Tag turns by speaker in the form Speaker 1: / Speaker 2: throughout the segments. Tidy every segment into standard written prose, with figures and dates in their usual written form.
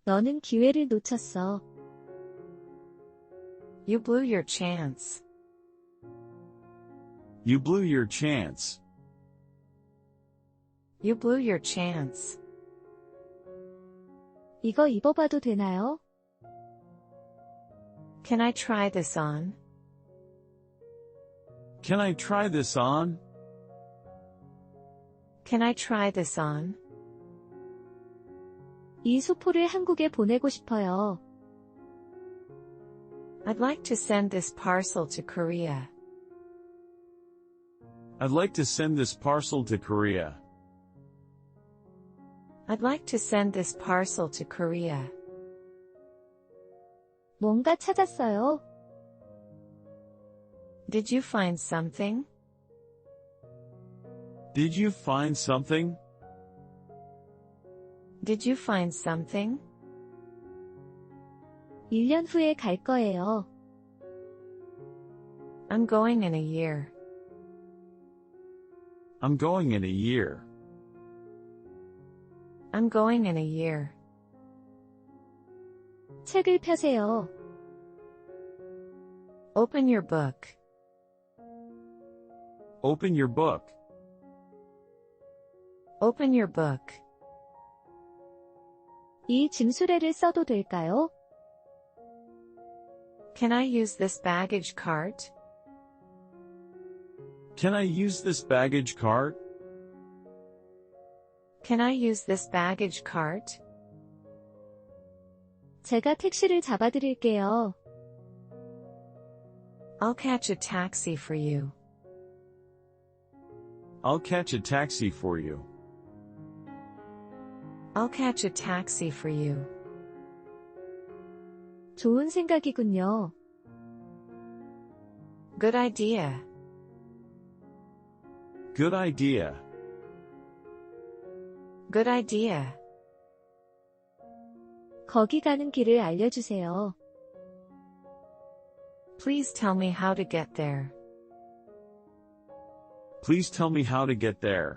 Speaker 1: 너는 기회를 놓쳤어.
Speaker 2: You blew your chance.
Speaker 3: You blew your chance.
Speaker 2: You blew your chance.
Speaker 1: 이거 입어봐도 되나요?
Speaker 2: Can I try this on?
Speaker 3: Can I try this on?
Speaker 2: Can I try this on?
Speaker 1: 이 수포를 한국에 보내고 싶어요.
Speaker 2: I'd like to send this parcel to Korea.
Speaker 3: I'd like to send this parcel to Korea.
Speaker 2: I'd like to send this parcel to Korea.
Speaker 1: 뭔가 찾았어요?
Speaker 2: Did you find something?
Speaker 3: Did you find something?
Speaker 2: Did you find something?
Speaker 1: 1년 후에 갈 거예요.
Speaker 2: I'm going in a year.
Speaker 3: I'm going in a year.
Speaker 2: I'm going in a year.
Speaker 1: 책을 펴세요.
Speaker 2: Open your book.
Speaker 3: Open your book.
Speaker 2: Open your book.
Speaker 1: 이 짐수레를 써도 될까요?
Speaker 2: Can I use this baggage cart?
Speaker 3: Can I use this baggage cart?
Speaker 2: Can I use this baggage cart?
Speaker 1: 제가 택시를 잡아드릴게요.
Speaker 2: I'll catch a taxi for you.
Speaker 3: I'll catch a taxi for you.
Speaker 2: I'll catch a taxi for you.
Speaker 1: 좋은 생각이군요.
Speaker 2: Good idea.
Speaker 3: Good idea.
Speaker 2: Good idea.
Speaker 1: 거기 가는 길을 알려주세요.
Speaker 2: Please tell me how to get there.
Speaker 3: Please tell me how to get there.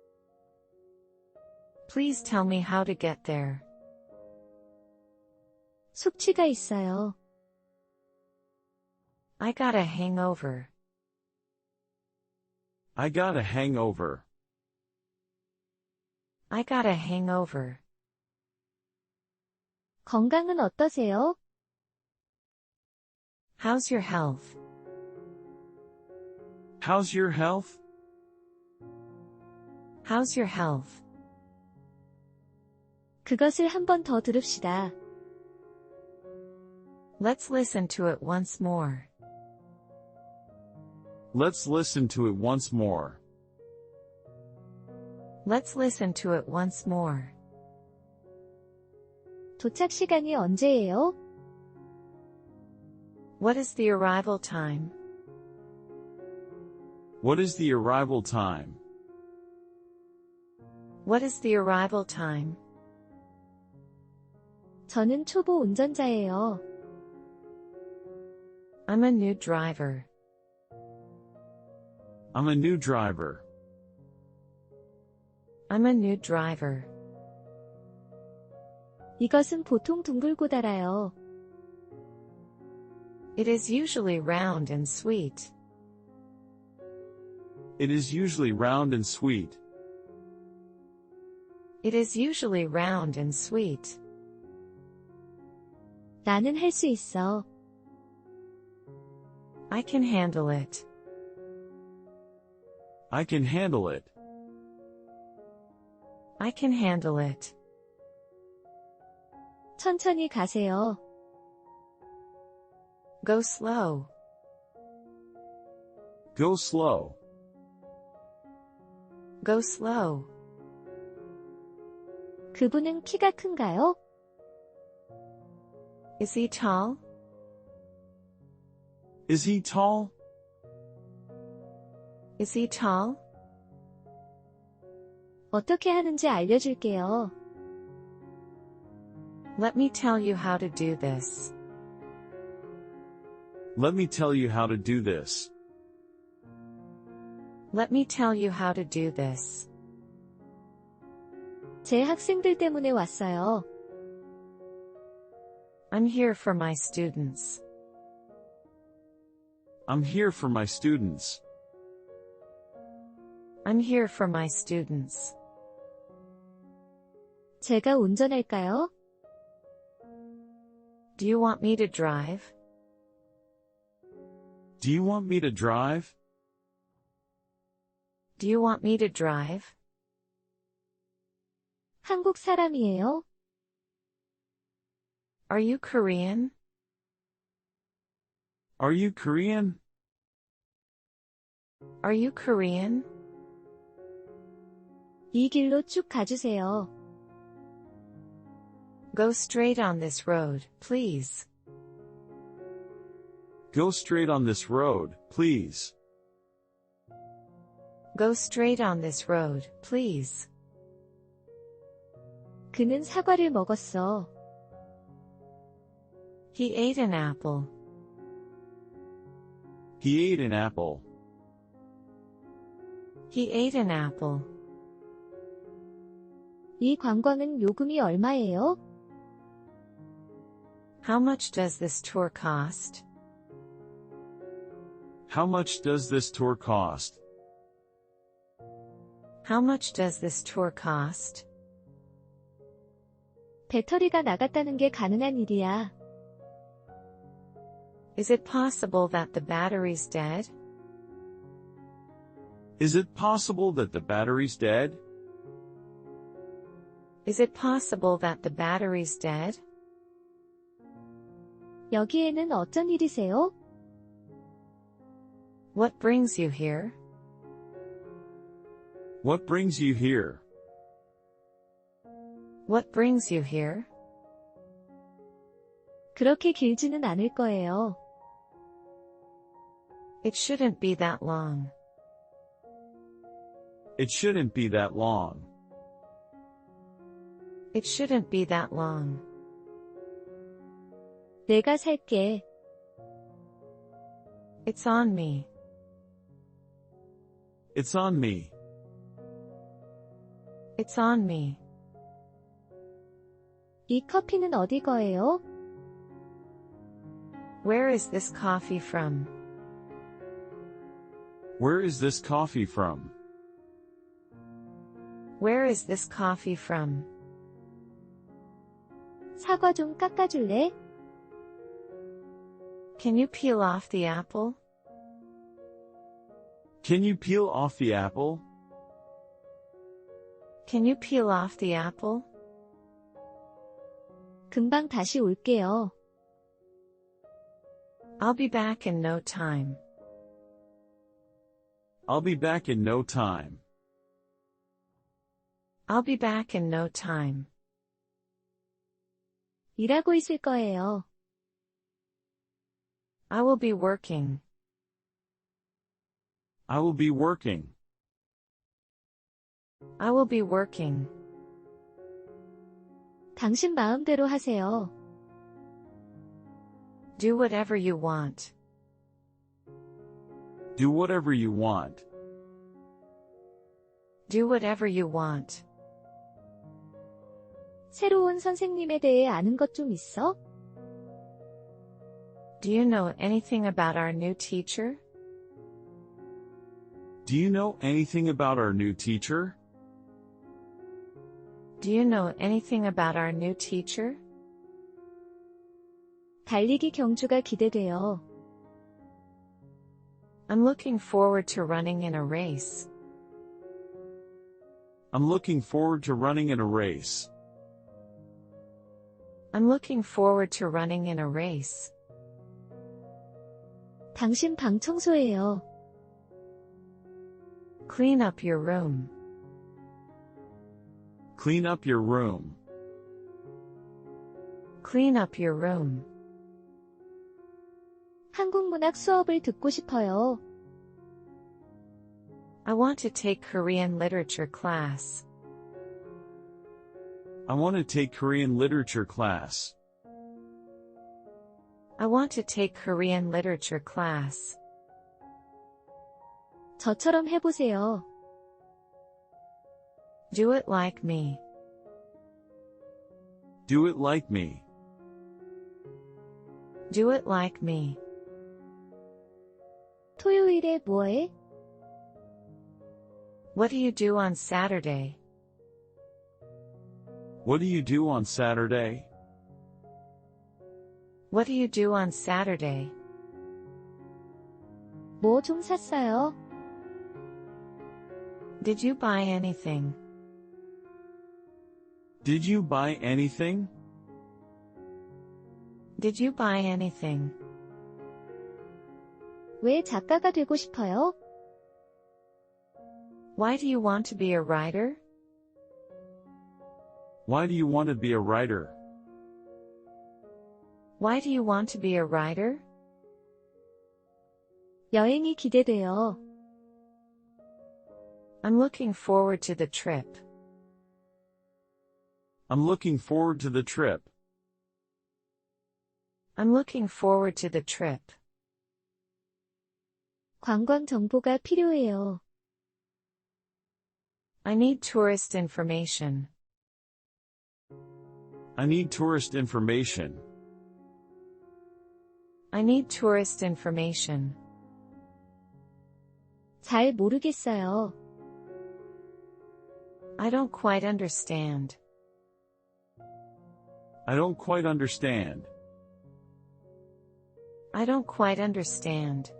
Speaker 2: Please tell me how to get there.
Speaker 1: 숙취가 있어요.
Speaker 2: I got a hangover.
Speaker 3: I got a hangover.
Speaker 2: I got a hangover.
Speaker 1: 건강은 어떠세요?
Speaker 2: How's your health?
Speaker 3: How's your health?
Speaker 2: How's your health?
Speaker 1: 그것을 한 번 더 들읍시다.
Speaker 2: Let's listen to it once more.
Speaker 3: Let's listen to it once more.
Speaker 2: Let's listen to it once more.
Speaker 1: 도착 시간이 언제예요?
Speaker 2: What is the arrival time?
Speaker 3: What is the arrival time?
Speaker 2: What is the arrival time?
Speaker 1: 저는 초보 운전자예요.
Speaker 2: I'm a new driver.
Speaker 3: I'm a new driver.
Speaker 2: I'm a new driver.
Speaker 1: 이것은 보통 둥글고 달아요.
Speaker 2: It is usually round and sweet.
Speaker 3: It is usually round and sweet.
Speaker 2: It is usually round and sweet.
Speaker 1: 나는 할 수 있어.
Speaker 2: I can handle it.
Speaker 3: I can handle it.
Speaker 2: I can handle it.
Speaker 1: 천천히 가세요.
Speaker 2: Go slow.
Speaker 3: Go slow.
Speaker 2: Go slow.
Speaker 1: 그분은 키가 큰가요?
Speaker 2: Is he tall?
Speaker 3: Is he tall?
Speaker 2: Is he tall?
Speaker 1: 어떻게 하는지 알려줄게요.
Speaker 2: Let me tell you how to do this.
Speaker 3: Let me tell you how to do this.
Speaker 2: Let me tell you how to do this.
Speaker 1: 제 학생들 때문에 왔어요.
Speaker 2: I'm here for my students.
Speaker 3: I'm here for my students.
Speaker 2: I'm here for my students.
Speaker 1: 제가 운전할까요?
Speaker 2: Do you want me to drive?
Speaker 3: Do you want me to drive?
Speaker 2: Do you want me to drive?
Speaker 1: 한국 사람이에요?
Speaker 2: Are you Korean?
Speaker 3: Are you Korean?
Speaker 2: Are you Korean?
Speaker 1: 이 길로 쭉 가주세요.
Speaker 2: Go straight on this road, please.
Speaker 3: Go straight on this road, please.
Speaker 2: Go straight on this road, please.
Speaker 1: 그는 사과를 먹었어.
Speaker 2: He ate an apple.
Speaker 3: He ate an apple.
Speaker 2: He ate an apple.
Speaker 1: 이 관광은 요금이 얼마예요?
Speaker 2: How much does this tour cost?
Speaker 3: How much does this tour cost?
Speaker 2: How much does this tour cost?
Speaker 1: 배터리가 나갔다는 게 가능한 일이야.
Speaker 2: Is it possible that the battery's dead?
Speaker 3: Is it possible that the battery's dead?
Speaker 2: Is it possible that the battery's dead?
Speaker 1: 여기에는 어쩐 일이세요?
Speaker 2: What brings you here?
Speaker 3: What brings you here?
Speaker 2: What brings you here?
Speaker 1: 그렇게 길지는 않을 거예요.
Speaker 2: It shouldn't be that long.
Speaker 3: It shouldn't be that long.
Speaker 2: It shouldn't be that long.
Speaker 1: 내가 살게.
Speaker 2: It's on me.
Speaker 3: It's on me.
Speaker 2: It's on me.
Speaker 1: 이 커피는 어디 거예요?
Speaker 2: Where is this coffee from?
Speaker 3: Where is this coffee from?
Speaker 2: Where is this coffee from?
Speaker 1: 사과 좀 깎아줄래?
Speaker 2: Can you peel off the apple?
Speaker 3: Can you peel off the apple?
Speaker 2: Can you peel off the apple?
Speaker 1: 금방 다시 올게요.
Speaker 2: I'll be back in no time.
Speaker 3: I'll be back in no time.
Speaker 2: I'll be back in no time.
Speaker 1: 일하고 있을 거예요.
Speaker 2: I will be working.
Speaker 3: I will be working.
Speaker 2: I will be working.
Speaker 1: 당신 마음대로 하세요.
Speaker 2: Do whatever you want.
Speaker 3: Do whatever you want.
Speaker 2: Do whatever you want.
Speaker 1: 새로운 선생님에 대해 아는 것 좀 있어?
Speaker 2: Do you know anything about our new teacher?
Speaker 3: Do you know anything about our new teacher?
Speaker 2: Do you know anything about our new teacher?
Speaker 1: 달리기 경주가 기대돼요.
Speaker 2: I'm looking forward to running in a race.
Speaker 3: I'm looking forward to running in a race.
Speaker 2: I'm looking forward to running in a race.
Speaker 1: 당신 방 청소해요.
Speaker 2: Clean up your room.
Speaker 3: Clean up your room.
Speaker 2: Clean up your room.
Speaker 1: 한국 문학 수업을 듣고 싶어요.
Speaker 2: I want to take Korean literature class.
Speaker 3: I want to take Korean literature class.
Speaker 2: I want to take Korean literature class.
Speaker 1: 저처럼 해보세요.
Speaker 2: Do it like me.
Speaker 3: Do it like me.
Speaker 2: Do it like me.
Speaker 1: 토요일에 뭐해?
Speaker 2: What do you do on Saturday?
Speaker 3: What do you do on Saturday?
Speaker 2: What do you do on Saturday?
Speaker 1: 뭐 좀 샀어요?
Speaker 2: Did you buy anything?
Speaker 3: Did you buy anything?
Speaker 2: Did you buy anything?
Speaker 1: 왜 작가가 되고 싶어요?
Speaker 2: Why do you want to be a writer?
Speaker 3: Why do you want to be a writer?
Speaker 2: Why do you want to be a writer?
Speaker 1: 여행이 기대돼요.
Speaker 2: I'm looking forward to the trip.
Speaker 3: I'm looking forward to the trip.
Speaker 2: I'm looking forward to the trip.
Speaker 1: 관광 정보가 필요해요.
Speaker 2: I need tourist information.
Speaker 3: I need tourist information.
Speaker 2: I need tourist information.
Speaker 1: 잘 모르겠어요.
Speaker 2: I don't quite understand.
Speaker 3: I don't quite understand.
Speaker 2: I don't quite understand.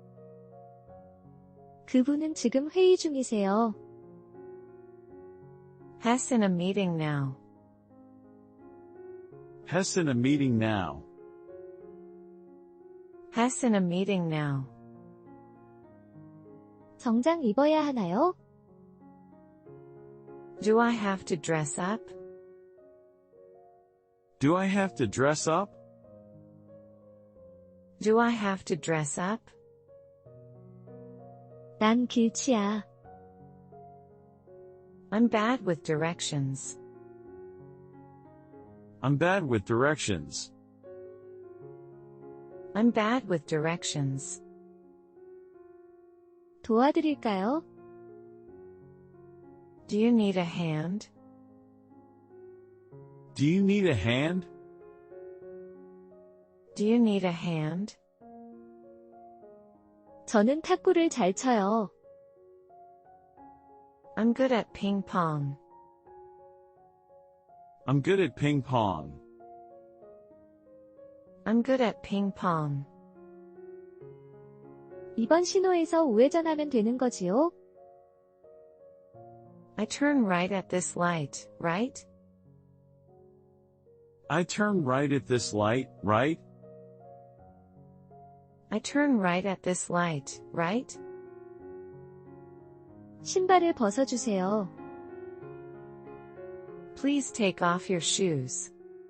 Speaker 1: 그분은 지금 회의 중이세요.
Speaker 2: Hess in a meeting now.
Speaker 3: Hess in a meeting now.
Speaker 2: Hess in a meeting now.
Speaker 1: 정장 입어야 하나요?
Speaker 2: Do I have to dress up?
Speaker 3: Do I have to dress up?
Speaker 2: Do I have to dress up?
Speaker 1: 난 길치야.
Speaker 2: I'm bad with directions.
Speaker 3: I'm bad with directions.
Speaker 2: I'm bad with directions.
Speaker 1: 도와드릴까요?
Speaker 2: Do you need a hand?
Speaker 3: Do you need a hand?
Speaker 2: Do you need a hand?
Speaker 1: 저는 탁구를 잘 쳐요.
Speaker 2: I'm good at ping pong.
Speaker 3: I'm good at ping pong.
Speaker 2: I'm good at ping pong.
Speaker 1: 이번 신호에서 우회전하면 되는 거지요?
Speaker 2: I turn right at this light, right?
Speaker 3: I turn right at this light, right?
Speaker 2: I turn right at this light, right?
Speaker 1: 신발을 벗어주세요.
Speaker 2: Please take off your shoes.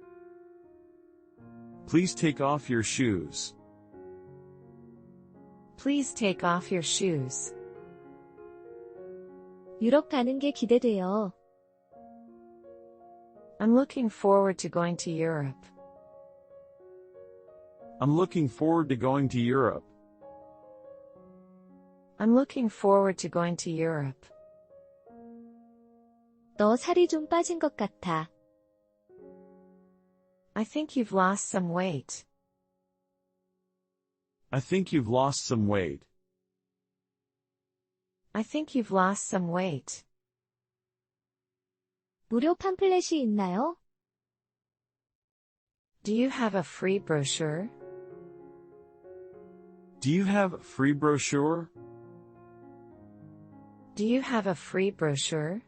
Speaker 3: Please take off your shoes.
Speaker 2: Please take off your shoes.
Speaker 1: 유럽 가는 게 기대돼요.
Speaker 2: I'm looking forward to going to Europe.
Speaker 3: I'm looking forward to going to Europe.
Speaker 2: I'm looking forward to going to Europe.
Speaker 1: 너 살이 좀 빠진 것 같아.
Speaker 2: I think you've lost some weight.
Speaker 3: I think you've lost some weight.
Speaker 2: I think you've lost some weight.
Speaker 1: 무료 팜플렛이 있나요?
Speaker 2: Do you have a free brochure?
Speaker 3: Do you have a free brochure?
Speaker 2: Do you have a free brochure?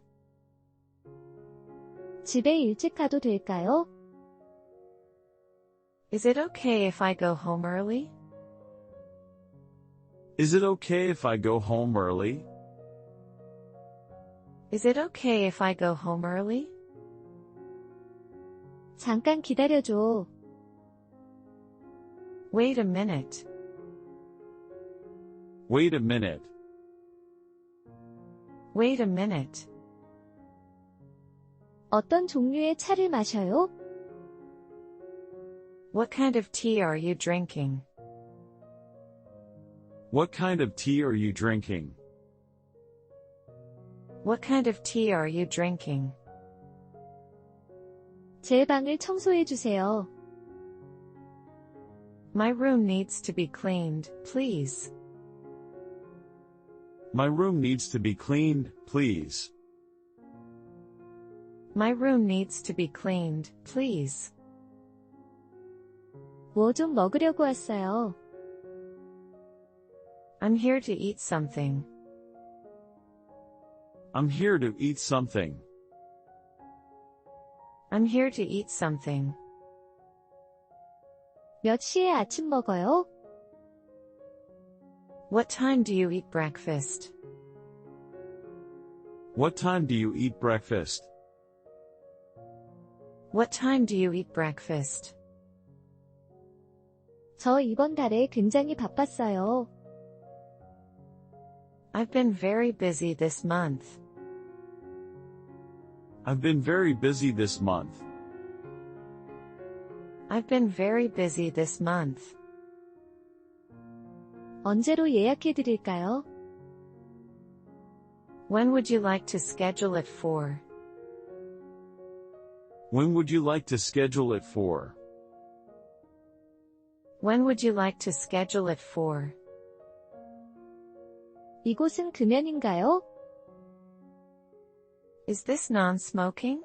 Speaker 1: 집에 일찍 가도 될까요?
Speaker 2: Is it okay if I go home early?
Speaker 3: Is it okay if I go home early?
Speaker 2: Is it okay if I go home early?
Speaker 1: 잠깐 기다려줘.
Speaker 2: Wait a minute.
Speaker 3: Wait a minute.
Speaker 2: Wait a minute.
Speaker 1: 어떤 종류의 차를 마셔요?
Speaker 2: What kind of tea are you drinking?
Speaker 3: What kind of tea are you drinking?
Speaker 2: What kind of tea are you drinking?
Speaker 1: 제 방을 청소해 주세요.
Speaker 2: My room needs to be cleaned, please.
Speaker 3: My room needs to be cleaned, please.
Speaker 2: My room needs to be cleaned, please.
Speaker 1: 뭐 좀 먹으려고 왔어요.
Speaker 2: I'm here to eat something.
Speaker 3: I'm here to eat something.
Speaker 2: I'm here to eat something.
Speaker 1: 몇 시에 아침 먹어요?
Speaker 2: What time do you eat breakfast?
Speaker 3: What time do you eat breakfast?
Speaker 2: What time do you eat breakfast?
Speaker 1: 저 이번 달에 굉장히 바빴어요.
Speaker 2: I've been very busy this month.
Speaker 3: I've been very busy this month.
Speaker 2: I've been very busy this month.
Speaker 1: 언제로 예약해 드릴까요?
Speaker 2: When would you like to schedule it for?
Speaker 3: When would you like to schedule it for?
Speaker 2: When would you like to schedule it for?
Speaker 1: 이곳은 금연인가요?
Speaker 2: Is this non-smoking?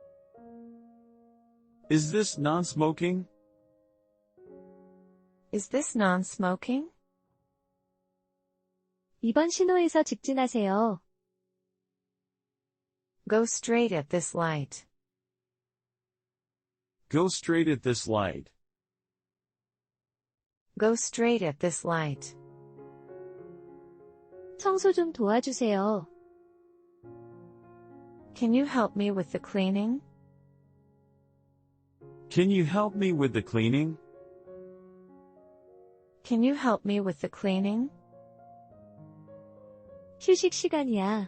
Speaker 3: Is this non-smoking?
Speaker 2: Is this non-smoking?
Speaker 1: 이번 신호에서 직진하세요.
Speaker 2: Go straight at this light.
Speaker 3: Go straight at this light.
Speaker 2: Go straight at this light.
Speaker 1: 청소 좀 도와주세요.
Speaker 2: Can you help me with the cleaning?
Speaker 3: Can you help me with the cleaning?
Speaker 2: Can you help me with the cleaning?
Speaker 1: 휴식 시간이야.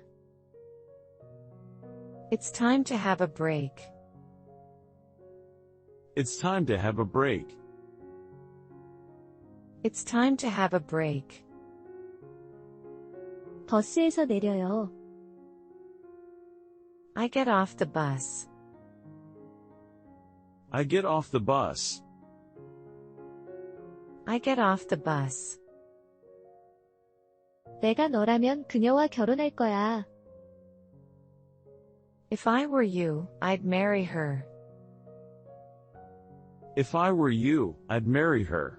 Speaker 2: It's time to have a break.
Speaker 3: It's time to have a break.
Speaker 2: It's time to have a break.
Speaker 1: 버스에서 내려요.
Speaker 2: I get off the bus.
Speaker 3: I get off the bus.
Speaker 2: I get off the bus.
Speaker 1: 내가 너라면 그녀와 결혼할 거야.
Speaker 2: If I were you, I'd marry her.
Speaker 3: If I were you, I'd marry her.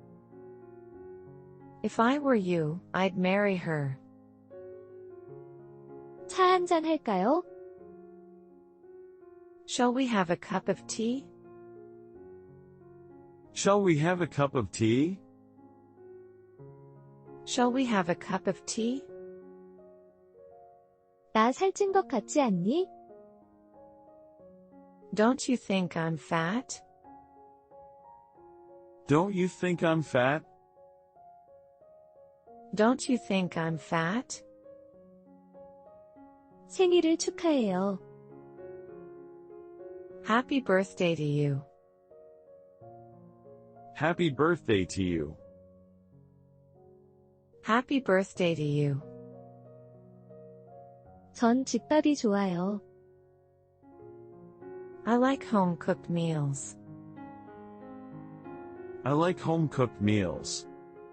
Speaker 2: If I were you, I'd marry her.
Speaker 1: 차 한잔 할까요?
Speaker 2: Shall we have a cup of tea?
Speaker 3: Shall we have a cup of tea?
Speaker 2: Shall we have a cup of tea?
Speaker 1: 나 살찐 것 같지 않니?
Speaker 2: Don't you think I'm fat?
Speaker 3: Don't you think I'm fat?
Speaker 2: Don't you think I'm fat?
Speaker 1: 생일을 축하해요.
Speaker 2: Happy birthday to you.
Speaker 3: Happy birthday to you.
Speaker 2: Happy birthday to you.
Speaker 1: 전 집밥이 좋아요.
Speaker 2: I like home-cooked meals.
Speaker 3: I like home-cooked meals.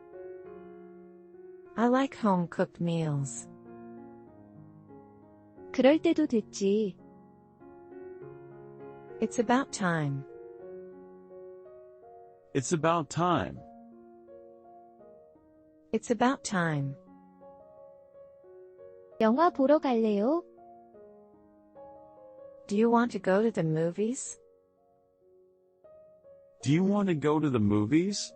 Speaker 2: I like home-cooked meals.
Speaker 1: 그럴 때도 됐지.
Speaker 2: It's about time.
Speaker 3: It's about time.
Speaker 2: It's about time.
Speaker 1: 영화 보러 갈래요?
Speaker 2: Do you want to go to the movies?
Speaker 3: Do you want to go to the movies?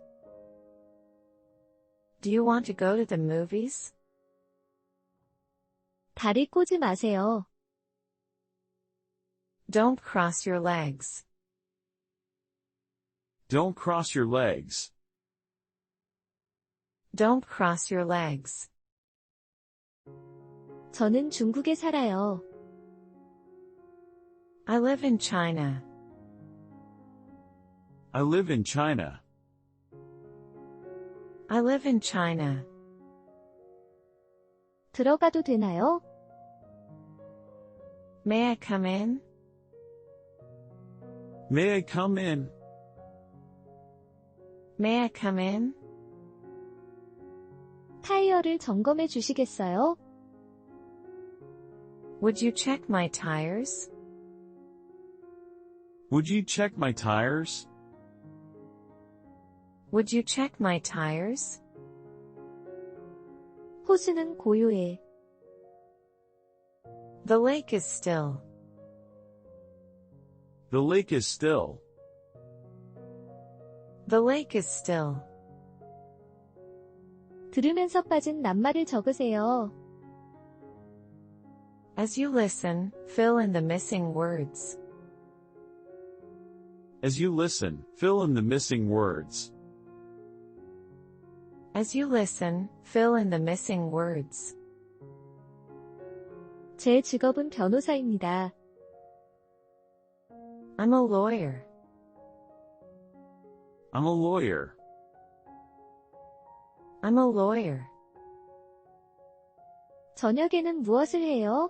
Speaker 2: Do you want to go to the movies?
Speaker 1: 다리 꼬지 마세요.
Speaker 2: Don't cross your legs.
Speaker 3: Don't cross your legs.
Speaker 2: Don't cross your legs.
Speaker 1: 저는 중국에 살아요.
Speaker 2: I live in China.
Speaker 3: I live in China.
Speaker 2: I live in China.
Speaker 1: 들어가도 되나요?
Speaker 2: May I come in?
Speaker 3: May I come in?
Speaker 2: May I come in?
Speaker 1: 타이어를 점검해 주시겠어요?
Speaker 2: Would you check my tires?
Speaker 3: Would you check my tires?
Speaker 2: Would you check my tires?
Speaker 1: 호수는 고요해.
Speaker 2: The lake is still.
Speaker 3: The lake is still.
Speaker 2: The lake is still.
Speaker 1: 들으면서 빠진 낱말을 적으세요.
Speaker 2: As you listen, fill in the missing words.
Speaker 3: As you listen, fill in the missing words.
Speaker 2: As you listen, fill in the missing words.
Speaker 1: 제 직업은 변호사입니다.
Speaker 2: I'm a lawyer.
Speaker 3: I'm a lawyer.
Speaker 2: I'm a lawyer.
Speaker 1: 저녁에는 무엇을 해요?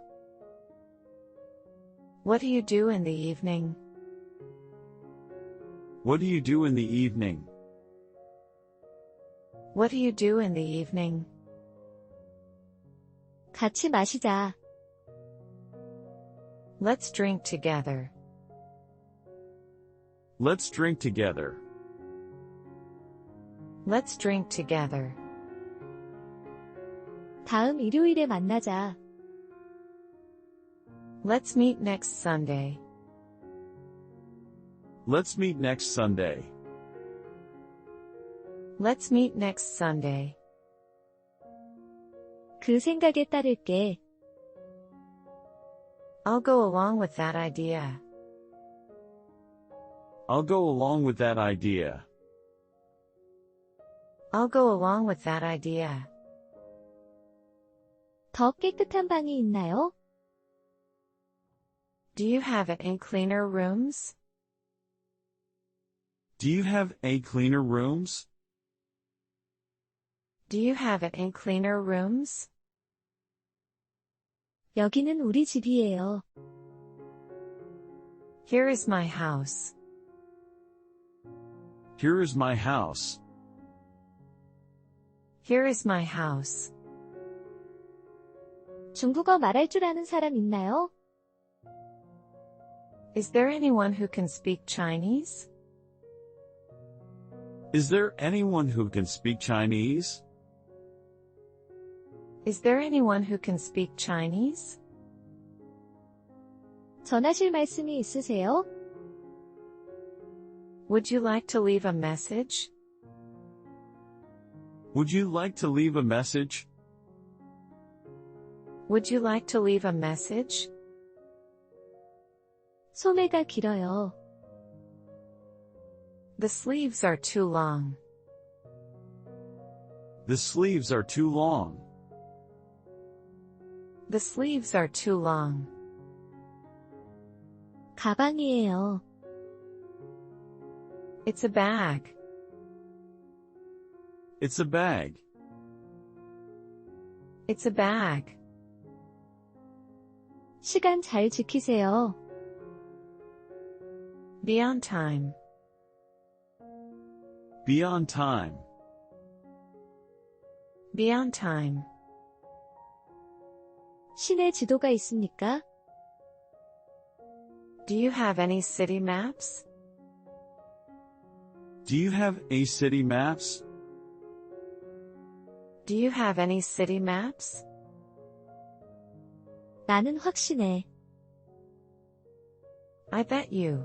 Speaker 2: What do you do in the evening?
Speaker 3: What do you do in the evening?
Speaker 2: What do you do in the evening?
Speaker 1: 같이 마시자.
Speaker 2: Let's drink together.
Speaker 3: Let's drink together.
Speaker 2: Let's drink together.
Speaker 1: 다음 일요일에 만나자.
Speaker 2: Let's meet next Sunday.
Speaker 3: Let's meet next Sunday.
Speaker 2: Let's meet next Sunday.
Speaker 1: 그 생각에 따를게.
Speaker 2: I'll go along with that idea.
Speaker 3: I'll go along with that idea.
Speaker 2: I'll go along with that idea.
Speaker 1: 더 깨끗한 방이 있나요?
Speaker 2: Do you have it in cleaner rooms?
Speaker 3: Do you have a cleaner rooms?
Speaker 2: Do you have it in cleaner rooms?
Speaker 1: 여기는 우리 집이에요.
Speaker 2: Here is my house.
Speaker 3: Here is my house.
Speaker 2: Here is my house.
Speaker 1: 중국어 말할 줄 아는 사람 있나요?
Speaker 2: Is there anyone who can speak Chinese?
Speaker 3: Is there anyone who can speak Chinese?
Speaker 2: Is there anyone who can speak Chinese?
Speaker 1: 전하실 말씀이 있으세요?
Speaker 2: Would you like to leave a message?
Speaker 3: Would you like to leave a message?
Speaker 2: Would you like to leave a message?
Speaker 1: 소매가 길어요.
Speaker 2: The sleeves are too long.
Speaker 3: The sleeves are too long.
Speaker 2: The sleeves are too long.
Speaker 1: 가방이에요.
Speaker 2: It's a bag.
Speaker 3: It's a bag.
Speaker 2: It's a bag.
Speaker 1: 시간 잘 지키세요.
Speaker 2: Be on time.
Speaker 3: Be on time.
Speaker 2: Be on time.
Speaker 1: 시내 지도가 있습니까?
Speaker 2: Do you have any city maps?
Speaker 3: Do you have a city maps?
Speaker 2: Do you have any city maps?
Speaker 1: 나는 확신해.
Speaker 2: I bet you.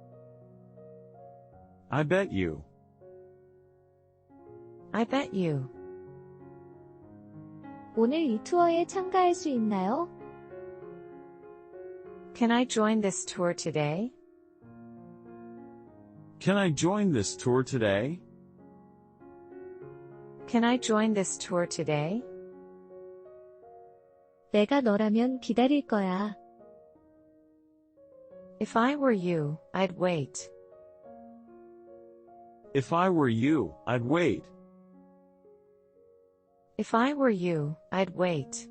Speaker 3: I bet you.
Speaker 2: I bet you.
Speaker 1: 오늘 이 투어에 참가할 수 있나요?
Speaker 2: Can I join this tour today?
Speaker 3: Can I join this tour today?
Speaker 2: Can I join this tour today?
Speaker 1: 내가 너라면 기다릴 거야.
Speaker 2: If I were you, I'd wait.
Speaker 3: If I were you, I'd wait.
Speaker 2: If I were you, I'd wait.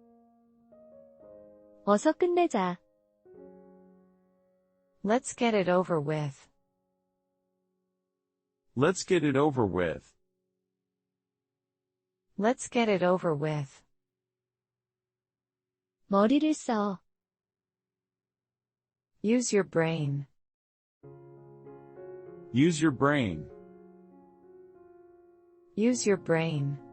Speaker 1: 어서 끝내자.
Speaker 2: Let's get it over with.
Speaker 3: Let's get it over with.
Speaker 2: Let's get it over with.
Speaker 1: 머리를 써.
Speaker 2: Use your brain.
Speaker 3: Use your brain.
Speaker 2: Use your brain.